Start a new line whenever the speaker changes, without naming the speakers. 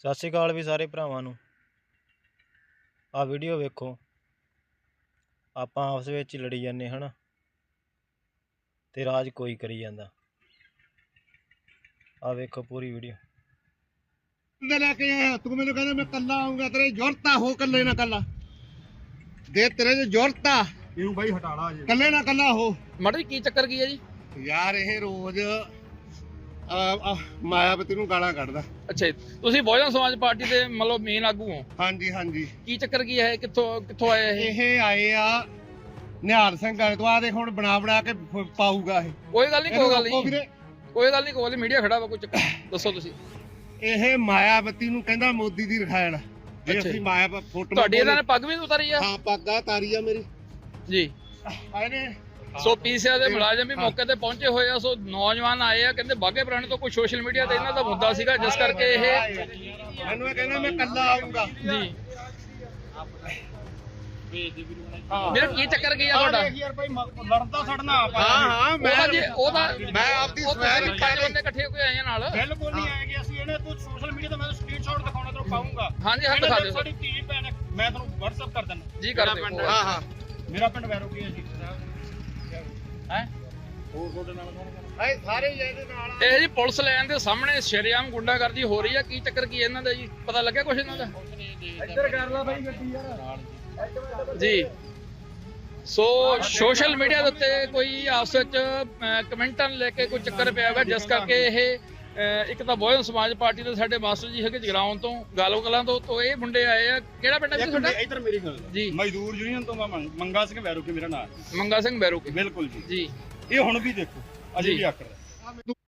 ਸਤਿ ਸ਼੍ਰੀ ਅਕਾਲ ਵੀ ਸਾਰੇ ਭਰਾਵਾਂ ਨੂੰ। ਆ ਵੀਡੀਓ ਵੇਖੋ, ਆਪਾਂ ਆਪਸ ਵਿੱਚ ਹੀ ਲੜੀ ਜਾਂਦੇ ਹਨ ਤੇ ਰਾਜ ਕੋਈ ਕਰੀ ਜਾਂਦਾ। ਆ ਵੇਖੋ ਪੂਰੀ ਵੀਡੀਓ।
लेके आया तू मैंने कहना मैं कल्ला आऊंगा, तेरे जरूरत हो कल्ले ना कल्ला दे, तेरे जो जरूरत ਇਹਨੂੰ ਬਾਈ ਹਟਾਲਾ ਜੇ ਕੱਲੇ ਨਾ ਕੱਲਾ ਹੋ।
ਮਾੜਾ ਜੀ ਕੀ ਚੱਕਰ ਕੀ ਹੈ ਜੀ?
ਯਾਰ ਇਹ ਰੋਜ਼ ਮਾਇਆਵਤੀ ਨੂੰ ਗਾਲਾਂ ਕੱਢਦਾ।
ਅੱਛਾ ਜੀ, ਤੁਸੀਂ ਬਹੁਜਨ ਸਮਾਜ ਪਾਰਟੀ ਦੇ ਮਤਲਬ ਮੇਨ ਆਗੂ ਹੋ?
ਹਾਂਜੀ ਹਾਂਜੀ।
ਕੀ ਚੱਕਰ ਕੀ ਹੈ? ਕਿੱਥੋਂ ਆਏ
ਇਹ ਆਏ ਆ ਨਿਹਾਲ ਸਿੰਘ ਵਾਲੇ ਤੋਂ। ਆ ਦੇਖ ਹੁਣ ਬਣਾ ਕੇ ਪਾਊਗਾ ਇਹ।
ਕੋਈ ਗੱਲ ਨਹੀਂ, ਕੋਈ ਗੱਲ ਨਹੀਂ, ਮੀਡੀਆ ਖੜਾ ਵਾ, ਕੋਈ ਚੱਕਰ ਦੱਸੋ ਤੁਸੀਂ।
ਇਹ ਮਾਇਆਵਤੀ ਨੂੰ ਕਹਿੰਦਾ ਮੋਦੀ ਦੀ ਰਖਾਇਣ। ਜੇ ਅਸੀਂ ਮਾਇਆ ਫੋਟੋ
ਤੁਹਾਡੀ ਇਹਨਾਂ ਨੇ ਪੱਗ ਵੀ ਉਤਾਰੀ ਆ?
ਹਾਂ ਪੱਗ ਆ ਤਾਰੀ ਆ ਮੇਰੀ
ਜੀ।
ਆਏ
ਸੋ ਪੀਸੀਆ ਦੇ ਮੁਲਾਜ਼ਮ ਵੀ ਮੌਕੇ ਤੇ ਪਹੁੰਚੇ ਹੋਏ ਆ। ਸੋ ਨੌਜਵਾਨ ਆਏ ਆ, ਕਹਿੰਦੇ ਬਾਗੇ ਪੁਰਾਣੇ ਤੋਂ ਕੋਈ ਸੋਸ਼ਲ ਮੀਡੀਆ ਤੇ ਇਹਨਾਂ ਦਾ ਮੁੱਦਾ ਸੀਗਾ, ਜਿਸ ਕਰਕੇ ਇਹ
ਮੈਨੂੰ ਇਹ ਕਹਿੰਦਾ ਮੈਂ ਕੱਲਾ ਆਉਂਗਾ
ਜੀ। ਮੇਰਾ ਕੀ ਚੱਕਰ ਕੀ ਆ ਤੁਹਾਡਾ?
ਯਾਰ ਭਾਈ ਲੜਦਾ ਛੱਡਣਾ ਆਪਾਂ। ਹਾਂ
ਮੈਂ
ਆਪਦੀ
ਸਵੈਰ ਪੰਜ ਬੰਦੇ ਇਕੱਠੇ ਹੋ ਕੇ ਆਏ ਆ ਨਾਲ।
ਬਿਲਕੁਲ ਨਹੀਂ ਆਏਗੇ ਅਸੀਂ। ਇਹਨੇ ਤੂੰ ਸੋਸ਼ਲ ਮੀਡੀਆ ਤੇ ਮੈਂ ਸਕਰੀਨਸ਼ਾਟ ਦਿਖਾਉਣਾ ਤੈਨੂੰ ਪਾਉਂਗਾ।
ਹਾਂਜੀ ਹਾਂ, ਦਿਖਾ ਦਿਓ।
ਸਾਡੀ ਧੀ ਭੈਣ ਮੈਂ ਤੁਹਾਨੂੰ WhatsApp ਕਰ ਦਿੰਦਾ
ਜੀ, ਕਰ ਦਿਓ।
ਹਾਂ ਹਾਂ, ਮੇਰਾ ਪਿੰਡ ਵੈਰੋਕੀ ਹੈ ਜੀ।
ਹੈ
ਹੋਰ ਤੁਹਾਡੇ ਨਾਲ ਕੌਣ? ਸਾਰੇ ਇਹਦੇ ਨਾਲ।
ਇਹ ਜੀ ਪੁਲਿਸ ਲਾਈਨ ਦੇ ਸਾਹਮਣੇ ਸ਼ਰੇਆਮ ਗੁੰਡਾਗਰਦੀ ਹੋ ਰਹੀ ਆ। ਕੀ ਚੱਕਰ ਕੀ ਇਹਨਾਂ ਦਾ ਜੀ? ਪਤਾ ਲੱਗਿਆ ਕੁਛ ਇਹਨਾਂ ਦਾ?
ਇੱਧਰ ਕਰ ਲਾ ਬਾਈ ਗੱਡੀ ਯਾਰ
ਜੀ। ਸੋ ਸੋਸ਼ਲ ਮੀਡੀਆ ਦੇ ਉੱਤੇ ਕੋਈ ਆਪਸ ਵਿੱਚ ਕਮੈਂਟਾਂ ਨੂੰ ਲੈ ਕੇ ਕੋਈ ਚੱਕਰ ਪਿਆ ਹੋਇਆ, ਜਿਸ ਕਰਕੇ ਇਹ ਇੱਕ ਤਾਂ ਬਹੁਜਨ ਸਮਾਜ ਪਾਰਟੀ ਦੇ ਸਾਡੇ ਮਾਸਟਰ ਜੀ ਹੈਗੇ ਜਗਰਾਉਂ ਤੋਂ, ਗਾਲੋ ਕਲਾਂ ਤੋਂ ਇਹ ਮੁੰਡੇ ਆਏ ਆ। ਕਿਹੜਾ ਪਿੰਡ ਹੈ ਤੁਹਾਡਾ?
ਇੱਧਰ ਮੇਰੀ ਗੱਲ
ਜੀ।
ਮਜ਼ਦੂਰ ਯੂਨੀਅਨ ਤੋਂ ਮੈਂ ਮੰਗਾ ਸਿੰਘ ਵੈਰੋਕੀ ਮੇਰਾ ਨਾਮ।
ਮੰਗਾ ਸਿੰਘ ਵੈਰੋਕੀ।
ਬਿਲਕੁਲ ਜੀ
ਜੀ।
ਇਹ ਹੁਣ ਵੀ ਦੇਖੋ ਅਜੇ ਵੀ ਆਕੜ